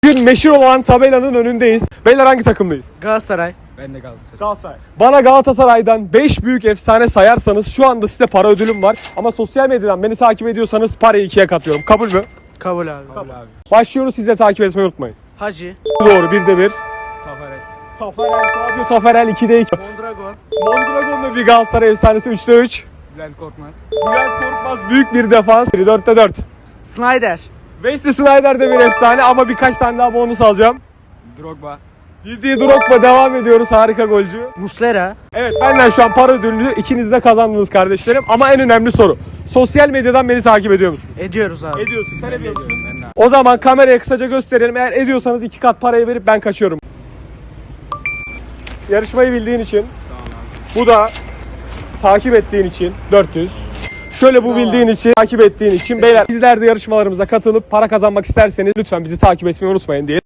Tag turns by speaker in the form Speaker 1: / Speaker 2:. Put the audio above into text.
Speaker 1: Bugün meşhur olan tabelanın önündeyiz. Beyler hangi takımdayız?
Speaker 2: Galatasaray.
Speaker 3: Ben de Galatasaray.
Speaker 1: Galatasaray. Bana Galatasaray'dan 5 büyük efsane sayarsanız şu anda size para ödülüm var. Ama sosyal medyadan beni takip ediyorsanız parayı 2'ye katıyorum. Kabul mü?
Speaker 2: Kabul abi.
Speaker 3: Kabul abi.
Speaker 1: Başlıyoruz, siz de takip etmeyi unutmayın.
Speaker 2: Hacı.
Speaker 1: Doğru, 1'de 1.
Speaker 3: Tafarel.
Speaker 1: Taferel, Radyo Taferel 2'de 2.
Speaker 2: Mondragon.
Speaker 1: Mondragon'da bir Galatasaray efsanesi 3'de 3.
Speaker 3: Bülent Korkmaz.
Speaker 1: Bülent Korkmaz büyük bir defans 4'te 4.
Speaker 2: Snyder.
Speaker 1: Wesley Sneijder de bir efsane ama birkaç tane daha bonus alacağım.
Speaker 3: Drogba.
Speaker 1: Didier Drogba, devam ediyoruz, harika golcü.
Speaker 2: Muslera.
Speaker 1: Evet, benden şu an para ödülünü ikiniz de kazandınız kardeşlerim. Ama en önemli soru, sosyal medyadan beni takip ediyor musun?
Speaker 2: Ediyoruz abi.
Speaker 1: Ediyorsun, sen ediyor musun?
Speaker 3: Ben de.
Speaker 1: O zaman kameraya kısaca gösterelim. Eğer ediyorsanız 2 kat parayı verip ben kaçıyorum. Yarışmayı bildiğin için,
Speaker 3: Sağ ol abi.
Speaker 1: bu da takip ettiğin için 400. Şöyle bu bildiğin için, takip ettiğin için. Beyler, sizler de yarışmalarımıza katılıp para kazanmak isterseniz lütfen bizi takip etmeyi unutmayın diye.